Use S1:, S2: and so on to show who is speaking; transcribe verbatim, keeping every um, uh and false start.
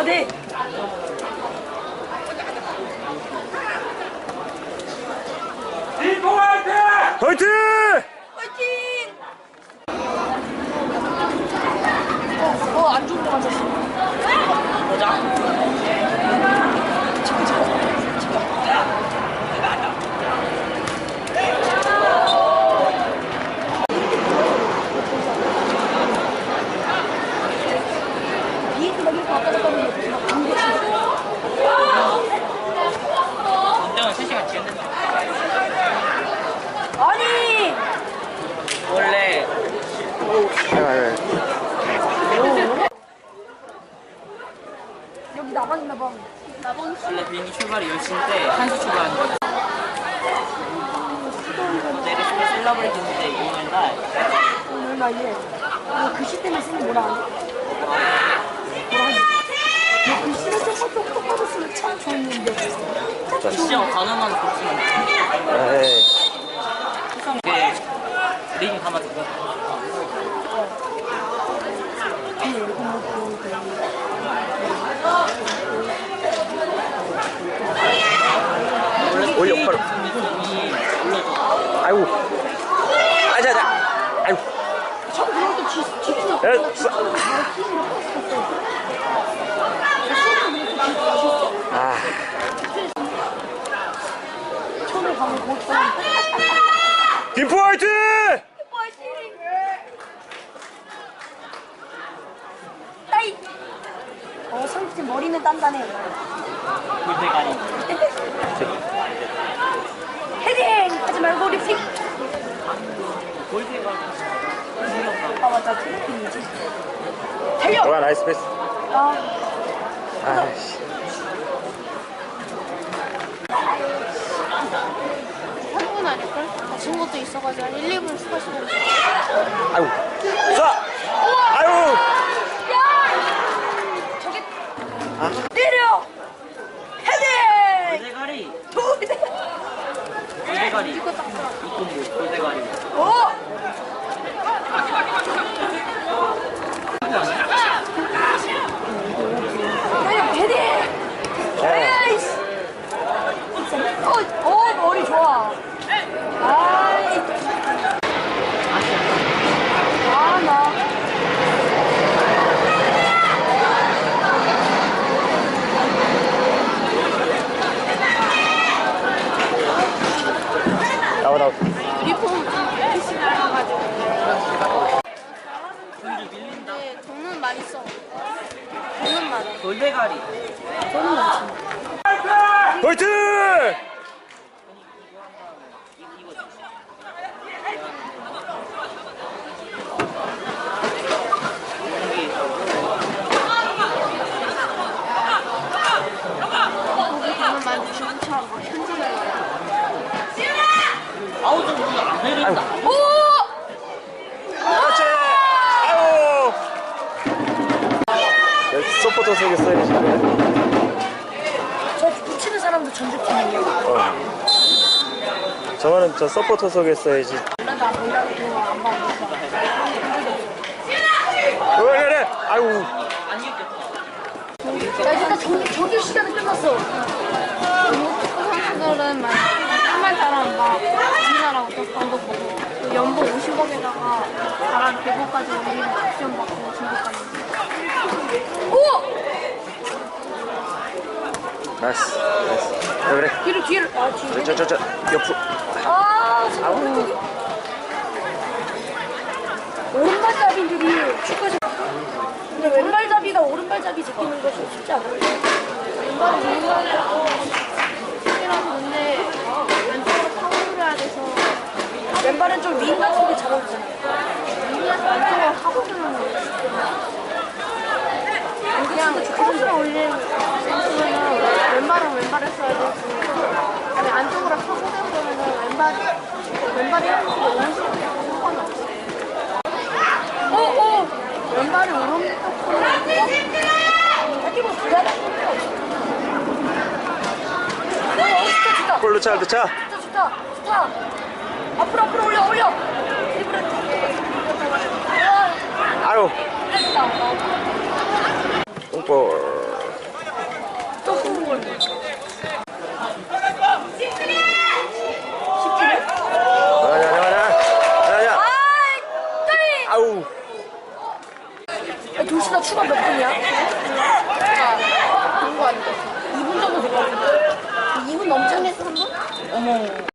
S1: 돼.
S2: 화이팅!
S1: 화이팅! 어, 어, 안 좋은 거 맞았어. 보자.
S3: 운동은 세 시간 지었는데.
S1: 아니!
S3: 원래
S1: 여기 나방 있나 봐. 나방
S3: 원래 비행기 출발이 열 시인데 한 시 출발하는 거야. 내리시고 셀러브레이트인데 오늘 날
S1: 오늘 말이에 어, 글씨 때문에 쓰는 뭐라 하니? 뭐라 하니? 너 글씨를 조금 똑똑하게 쓰면 참 좋은데.
S3: 시험 단어만 고치면 돼.
S2: 에이.
S3: 이게 리딩 담아주고.
S2: 올려, 바로. 아이고. 아자자. 아이고.
S1: 처음 그럴 때 뒤, 뒤로
S2: 야, 쏴. 아.
S1: 처음에 가면 못 봐.
S2: 김포 화이팅!
S1: 따이! 어, 상팀 머리는 단단해.
S3: 골대가리.
S1: 헤딩! 하지 말고 리픽!
S3: 골대가리.
S1: 아, 맞다. 필리핀이지. 달려!
S2: 좋아, 나이스 패스.
S1: 아,
S2: 아이씨.
S4: 삼 분 아닐걸? 다친 것도 있어가지고 한 일, 이 분 추가 시간 있어.
S2: 아이고. 쏴! 아이고!
S1: 야! 저기,
S2: 아?
S1: 때려! 헤딩!
S3: 골대가리.
S1: 돌대!
S3: 골대가리.
S4: 이거 딱 들어.
S3: 이건 뭐 골대가리.
S1: 오! 때려, 헤딩! 에이씨! 어, 어, 머리 좋아. 아이. 아, 나.
S2: 나와, 나와.
S4: 유니폼 피시 나가가지고.
S3: 손이 밀린다.
S4: 근데 돈은 많이 써. 돈은 많아.
S3: 골대가리.
S1: 저는 많지.
S2: 화이팅!
S4: 거기 돈은 많이 주문처 막 현질을 해.
S3: 아우 좀 안 내린다.
S1: 오!
S2: 그렇지! 아이고! 서포터 속에 써야지.
S1: 저 붙이는 사람도 전주팀이에요.
S2: 어. 저거는 저 서포터 속에 써야지.
S1: 몰라도 안 몰라도 그거 안 봐.
S2: 그래, 그래! 아이고.
S3: 안 이겼겠다.
S1: 야, 일단 정, 정규 시간은 끝났어.
S4: 축구 선수들은 막 한말 잘하면 막 우리나라 어떤 광고 보고 또 연봉 오십억에다가 잘한 대구까지 우리는 박시험 받고 중국 가는
S1: 오!
S2: 나이스. 나이스. 그래, 그래.
S1: 뒤로, 뒤로. 아, 뒤로.
S2: 저, 저, 저, 옆으로.
S1: 아, 오른쪽이. 오른발잡이들이 축구에서. 근데 왼발잡이가 오른발잡이 제끼는 것이 쉽지 않아요.
S4: 왼발은 왼발이라고 이라서 근데 왼쪽으로 파고들어야 돼서
S1: 왼발은 좀 윙 같은 게 잘 어울리잖아.
S4: 위에서 왼쪽으로 파고드는 거예요. 그냥 크로스를 올리는 선수는 왼발은 왼발에 써야 되고 아니 안쪽으로 파고드는 거면은 왼발 왼발이 한쪽으로 오른쪽으로 상관이 없어.
S1: 오, 오!
S4: 왼발이 오른쪽으로
S1: 뛰고 그래? 어, 좋다, 좋다.
S2: 볼로 차, 차.
S1: 좋다, 좋다. 좋다. 앞으로, 앞으로 올려, 올려. 드리블을.
S2: 아유.
S1: 됐다.
S2: 똥볼.
S1: 글씨나 추가 몇 분이야?
S4: 그거 아니겠어.
S1: 이 분 정도 될 것 같은데? 이 분 넘지 않겠어, 한 분?
S3: 어머.